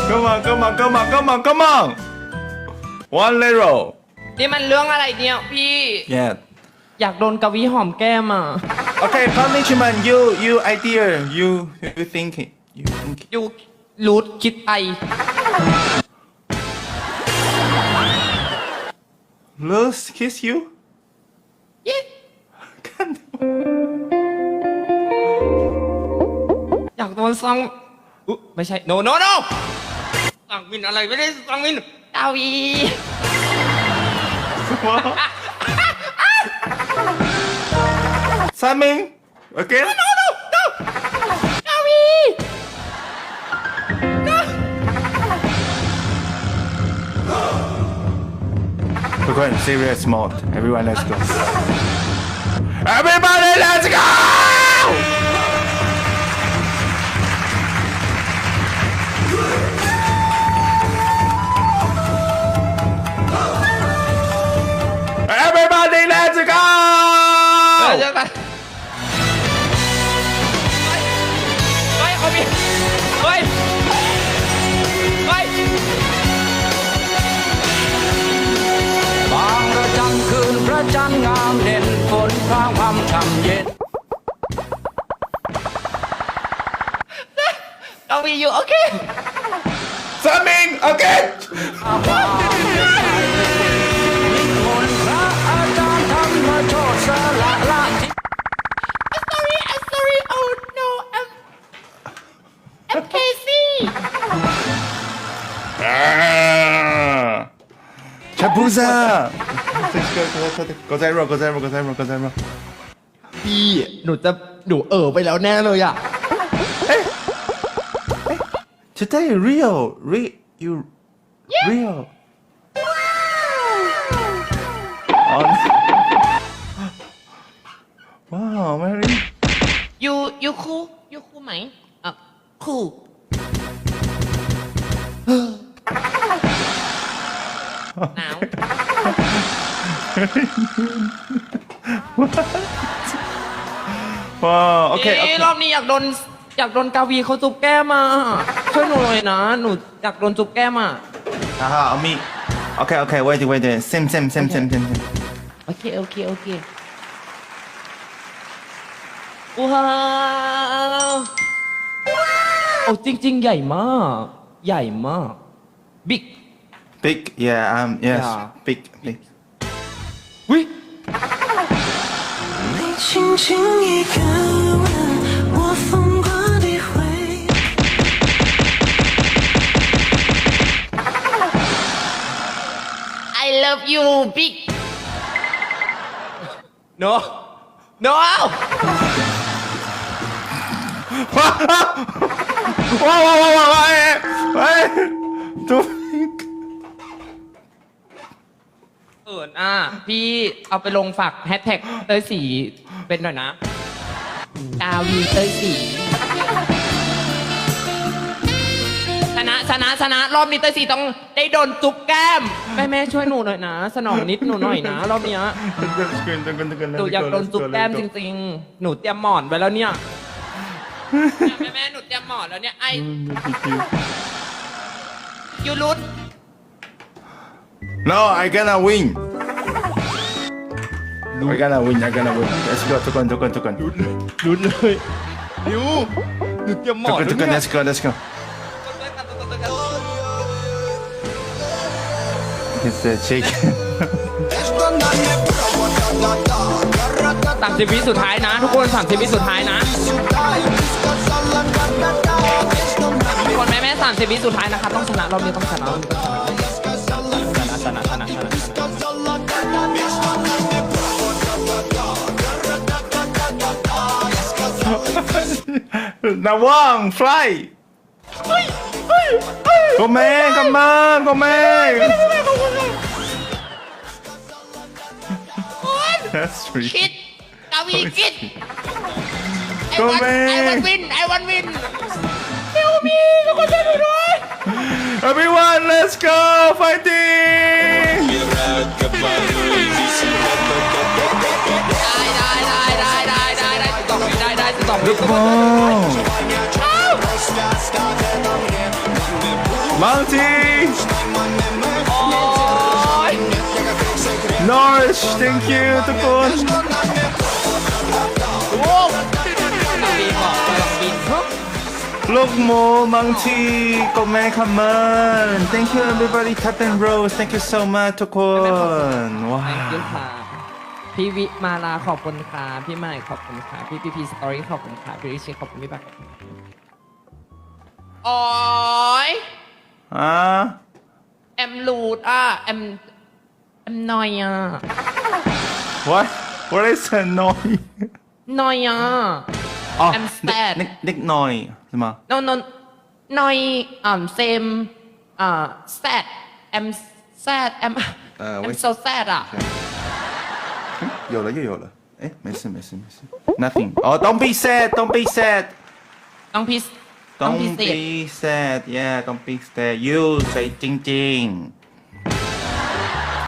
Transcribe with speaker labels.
Speaker 1: come on come on come on come on come on one little
Speaker 2: นี่มันเรื่องอะไรเนี่ยพี่
Speaker 1: yeah
Speaker 2: อยากโดนกวีหอมแก้มอ่ะ
Speaker 1: okay punishment you idea you think it you think it.
Speaker 2: อยู่รูทคิดไป
Speaker 1: Lose kiss you
Speaker 2: เย้ อยากโดนซังไม่ใช่ no no no ซังมินอะไรไม่ได้ซังมินกวี
Speaker 1: Saming again
Speaker 2: no no no กวี
Speaker 1: we're going serious mode everyone let's go everybody let's go everybody let's go
Speaker 2: เจอกันเฮ้ยเขามีเฮ้ยเฮ้ย
Speaker 3: บางระจันคืนพระจันทร์งามเด่นฝนพรางพรำช่ำเย็น
Speaker 2: กวีอยู่โอเค
Speaker 1: Saming again
Speaker 3: นิมนต์พระอาจารย์ธรรมโชติสละละทิ
Speaker 2: I'm sorry oh no I'm Casey
Speaker 1: Chapuza go zero go zero go zero go zero
Speaker 2: พี่หนูไปแล้วแน่เลยอ่ะ
Speaker 1: today real you real on wow Mary
Speaker 2: ยูคูไหมอ่ะคูหนาว
Speaker 1: wow okay
Speaker 2: รอบนี้อยากโดนกาวีเขาจุบแก้มอ่ะช่วยหนูหน่อยนะหนูอยากโดนจุบแก้มอ่ะ
Speaker 1: aha on me okay wait same
Speaker 2: โอเคว้าวโอ้จริงๆใหญ่มากบิ๊ก
Speaker 1: big yeah yes
Speaker 2: Yeah.
Speaker 1: big
Speaker 2: วิ
Speaker 4: 你轻轻一个吻，我疯狂地回。
Speaker 2: I love you big no
Speaker 1: ว้าวเฮ้ยดู
Speaker 2: เอิญพี่เอาไปลงฝากแฮชแท็กเต้ยสีเป็นหน่อยนะกาวีเต้ยสีชนะรอบนี้เต้ยสีต้องได้โดนจุ๊บแก้มแม่ช่วยหนูหน่อยนะสนองนิดหนูหน่อยนะรอบเนี้ยหนูอยากโดนจุ๊บแก้มจริงๆหนูเตรียมหมอนไว้แล้วเนี่ยแม่หนูเตรียมหมอนแล้วเนี่ยไอยูรุด
Speaker 1: no I gonna win I gonna win let's go ทุกคน
Speaker 2: รุดเลยยูหนูเตรียมหมอน
Speaker 1: ทุกคน let's go it's a chicken
Speaker 2: 30 วิสุดท้ายนะทุกคน30 วิสุดท้ายนะทุกคนแม่30 วิสุดท้ายนะคะต้องชนะรอบนี้ต้องชนะ
Speaker 1: Nawang fly come on that's sweet
Speaker 2: คิดกาวีคิด
Speaker 1: Go man
Speaker 2: ไอวันวินเฮลมีทุกคนช่วยหนูด้วย
Speaker 1: everyone let's go fighting
Speaker 2: ได้12 วิ
Speaker 1: oh Mounty
Speaker 2: โอ้ย
Speaker 1: Norwich thank you ทุกคน
Speaker 2: โอ้กำลังบินบอกกำลังบิน
Speaker 1: ลูกหมู Mounty ก็แม่คำมัน thank you everybody tap and rose thank you so much ทุกคนว้า
Speaker 2: thank you
Speaker 1: ว
Speaker 2: ค่ะพี่วิมาลาขอบคุณค่ะพี่ใหม่ขอบคุณค่ะพี่พีสตอรี่ขอบคุณค่ะพี่ริชิขอบคุณพี่บักโอ้ย
Speaker 1: อ่ะ
Speaker 2: แอมลูดอ่ะแอมนอยอ่ะ
Speaker 1: what is a noise
Speaker 2: นอยอ่ะ
Speaker 1: อ๋อ
Speaker 2: I'm sad
Speaker 1: เด็กน้อยใช่ไหม
Speaker 2: no นอยsame sad I'm sad I'm
Speaker 1: 喂
Speaker 2: I'm so sad อ่ะ
Speaker 1: 有了又有了哎没事 nothing 哦 don't be sad don't be sad
Speaker 2: ต้องพิ
Speaker 1: don't
Speaker 2: เศษ
Speaker 1: be sad yeah don't be sad you ใจจริงๆ